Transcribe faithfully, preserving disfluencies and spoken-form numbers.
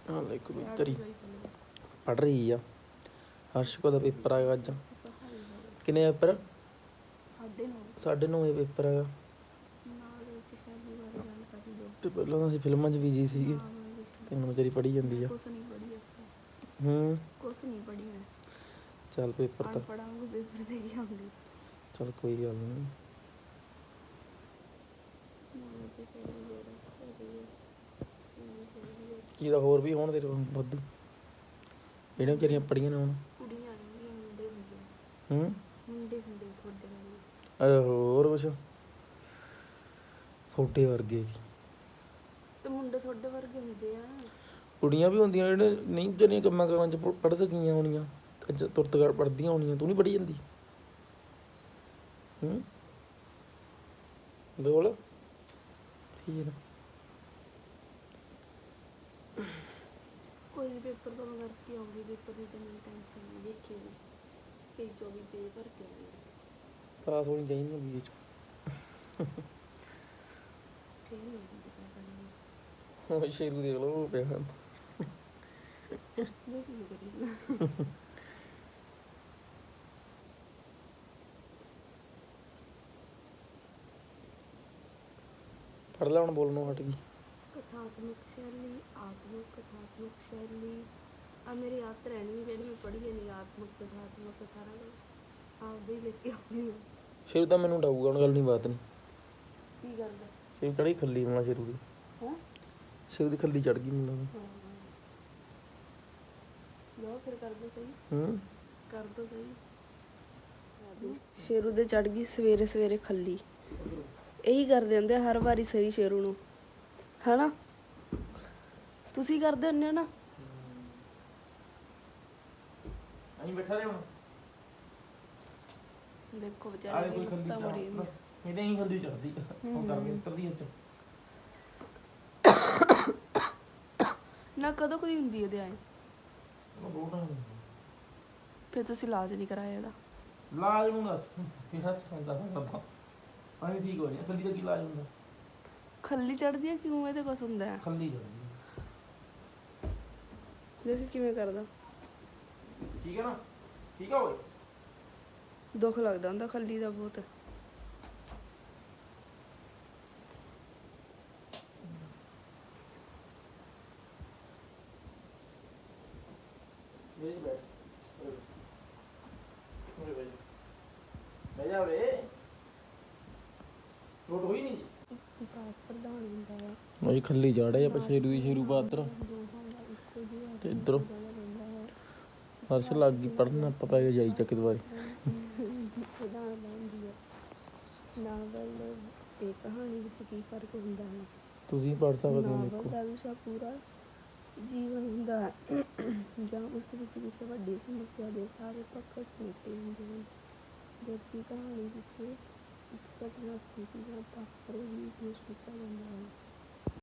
ਹਾਲੇ ਕਬੂਤਰ ਹੀ ਪੜ੍ਹ ਰਹੀ ਆ। ਹਰਸ਼ ਕੋ ਦਾ ਪੇਪਰ ਆਏਗਾ ਅੱਜ। ਕਿੰਨੇ ਪੇਪਰ? ਸਾਢੇ ਨੌ ਵਜੇ ਪੇਪਰ ਹੈਗਾ। ਤੇ ਪਹਿਲਾਂ ਤਾਂ ਅਸੀਂ ਫਿਲਮਾਂ 'ਚ ਬਿਜੀ ਸੀਗੇ ਤੇ ਹੁਣ ਵਿਚਾਰੀ ਪੜ੍ਹੀ ਜਾਂਦੀ ਆ। ਹੂੰ ਚੱਲ ਪੇਪਰ ਤਾਂ ਚੱਲ ਕੋਈ ਗੱਲ ਨਹੀਂ। ਕੀ ਦਾ ਹੋਰ ਵੀ ਹੋਣ ਤੇਰੇ ਵਾਧੂ ਜਿਹੜੀਆਂ ਵਿਚਾਰੀਆਂ ਪੜ੍ਹੀਆਂ ਨੇ ਹੁਣ। ਹੂੰ ਹੋਰ ਕੁਛ ਤੁਹਾਡੇ ਵਰਗੇ ਤੇ ਮੁੰਡੇ ਤੁਹਾਡੇ ਵਰਗੇ ਹੁੰਦੇ ਆ। ਕੁੜੀਆਂ ਵੀ ਹੁੰਦੀਆਂ ਜਿਹੜੇ ਨਹੀਂ ਵਿਚਾਰੀਆਂ ਕੰਮਾਂ ਕਾਰਾਂ 'ਚ ਪੜ੍ਹ ਸਕੀਆਂ ਹੋਣੀਆਂ ਤੁਰਤ ਪੜ੍ਹਦੀਆਂ ਹੋਣੀਆਂ। ਤੂੰ ਨਹੀਂ ਪੜ੍ਹੀ ਜਾਂਦੀ? ਹੂੰ ਬੋਲ ਠੀਕ। ਕੋਈ ਨਹੀਂ ਪੇਪਰ ਤਾਂ ਮੈਂ ਕਰਕੇ ਆਉਂਗੀ। ਪੇਪਰ ਦੀ ਤਾਂ ਮੈਨੂੰ ਟੈਨਸ਼ਨ ਨਹੀਂ। ਦੇਖੀ ਤੇਈ ਚੌਵੀ ਪੇਜ ਭਰ ਕੇ ਆਉਂਗੀ। ਪਾਸ ਹੋਣੀ ਚਾਹੀਦੀ ਬੀ ਏ 'ਚ। ਉਹ ਸ਼ੇਰੂ ਦੇਖ ਲਓ ਉਹ ਪਿਆ ਪੜ੍ਹ ਲੈ ਹੁਣ ਬੋਲਣੋਂ ਹਟ ਗਈ। ਕਥਾਤਮਕ ਸ਼ੈਲੀ, ਆਤਮਕ ਕਥਾਤਮਕ ਸ਼ੈਲੀ ਆ ਮੇਰੀ ਯਾਦ ਰਹਿਣੀ ਜਿਹੜੀ ਮੈਂ ਪੜ੍ਹੀ ਨਹੀਂ। ਆਤਮਕ ਕਥਾਤਮਕ ਸਾਰਾ ਕੁਛ ਆਪਦੇ ਹੀ ਲੈ ਕੇ ਆਉਂਦੀ। ਸ਼ੇਰੂ ਤਾਂ ਮੈਨੂੰ ਡਾਊਗਾ ਹੁਣ ਗੱਲ ਨਹੀਂ ਬਾਤ ਨਹੀਂ। ਕੀ ਕਰਦਾ ਸ਼ੇਰੂ ਚੜ੍ਹੀ ਖੱਲੀ ਹੋਣਾ ਸ਼ੇਰੂ ਦੀ। ਹੈਂ ਸ਼ੇਰੂ ਦੀ ਖੱਲੀ ਚੜ੍ਹ ਗਈ ਮੈਨੂੰ। ਲਓ ਫਿਰ ਕਰ ਦੋ ਸਹੀ। ਹੂੰ ਕਰ ਦੋ ਸਹੀ। ਸ਼ੇਰੂ ਦੇ ਚੜ੍ਹ ਗਈ ਸਵੇਰੇ ਸਵੇਰੇ ਖੱਲੀ। ਇਹੀ ਕਰਦੇ ਹੁੰਦੇ ਹਰ ਵਾਰੀ ਸਹੀ ਸ਼ੇਰੂ ਨੂੰ, ਹਨਾ? ਤੁਸੀਂ ਕਰਦੇ ਹੁੰਦੇ ਹੋ ਨਾ? ਅਸੀਂ ਬੈਠਾ ਰਹੇ ਹੁਣ ਦੇਖੋ ਵਿਚਾਰੇ ਦੀ ਤਾਂ ਮਰੀ ਜਾਂਦੀ। ਇਹਦੇ ਹੀ ਖੱਲੀ ਚੜ੍ਹਦੀ ਹੁਣ ਕਰਕੇ ਉਤਰਦੀ ਉੱਚ ਨਾ ਕਦੋਂ ਕਦੀ ਹੁੰਦੀ ਇਹਦੇ ਆਏ। ਫਿਰ ਤੁਸੀਂ ਇਲਾਜ ਨਹੀਂ ਕਰਾਇਆ ਇਹਦਾ? ਇਲਾਜ ਨੂੰ ਦੱਸ ਕਿਹੜਾ ਕਰਦਾ ਕਰਦਾ ਪਾਣੀ ਠੀਕ ਹੋ ਜਾਣਾ। ਖੱਲੀ ਦਾ ਕੀ ਇਲਾਜ ਹੁੰਦਾ? ਖੱਲੀ ਚੜ੍ਹਦੀ ਆ ਕਿਉਂ? ਇਹਦੇ ਕੁਛ ਹੁੰਦਾ ਹੈ? ਖੱਲੀ ਚੜ੍ਹਦੀ ਦੇਖ ਕਿਵੇਂ ਕਰਦਾ। ਠੀਕ ਹੈ ਨਾ? ਠੀਕ ਆ ਓਏ। ਦੁੱਖ ਲੱਗਦਾ ਹੁੰਦਾ ਖੱਲੀ ਦਾ ਬਹੁਤ। ਬਹਿ ਜਾ ਵੇ। ਰੋਟ ਹੋਈ ਨਹੀਂ ਵਿਕਾਸ ਪ੍ਰਧਾਨ ਹੁੰਦਾ ਹੈ। ਮੈਂ ਖੱਲੀ ਜਾੜੇ ਆਪਾਂ ਸ਼ੇਰੂ ਦੀ ਸ਼ੇਰੂ ਪਾਤਰ ਤੇ ਇੱਧਰੋਂ ਹਰਸ਼ ਲੱਗ ਗਈ ਪੜ੍ਹਨ। ਆਪਾਂ ਪੈ ਗਏ ਜਾਈ ਚੱਕ ਦੁਬਾਰੇ। ਪ੍ਰਧਾਨ ਬਣਦੀ ਹੈ। ਨਾਵਲ ਤੇ ਕਹਾਣੀ ਵਿੱਚ ਕੀ ਫਰਕ ਹੁੰਦਾ ਹੈ? ਤੁਸੀਂ ਪੜ੍ਹ ਸਕਦੇ ਹੋ। ਨਾਵਲ ਦਾ ਵਿਸ਼ਾ ਪੂਰਾ ਜੀਵਨ ਹੁੰਦਾ ਹੈ ਜਾਂ ਉਸ ਵਿੱਚ ਕਿਸੇ ਵੱਡੀ ਸਮੱਸਿਆ ਦੇ ਸਾਰੇ ਪੱਖ ਸਮੇਟੇ ਹੁੰਦੇ ਹਨ। ਜਦਕਿ ਕਹਾਣੀ ਵਿੱਚ ਇੱਕ ਘਟਨਾ ਸਥਿਤੀ ਜਾਂ ਪਾਤਰ ਹੀ ਪੇਸ਼ ਕੀਤਾ ਜਾਂਦਾ ਹੈ।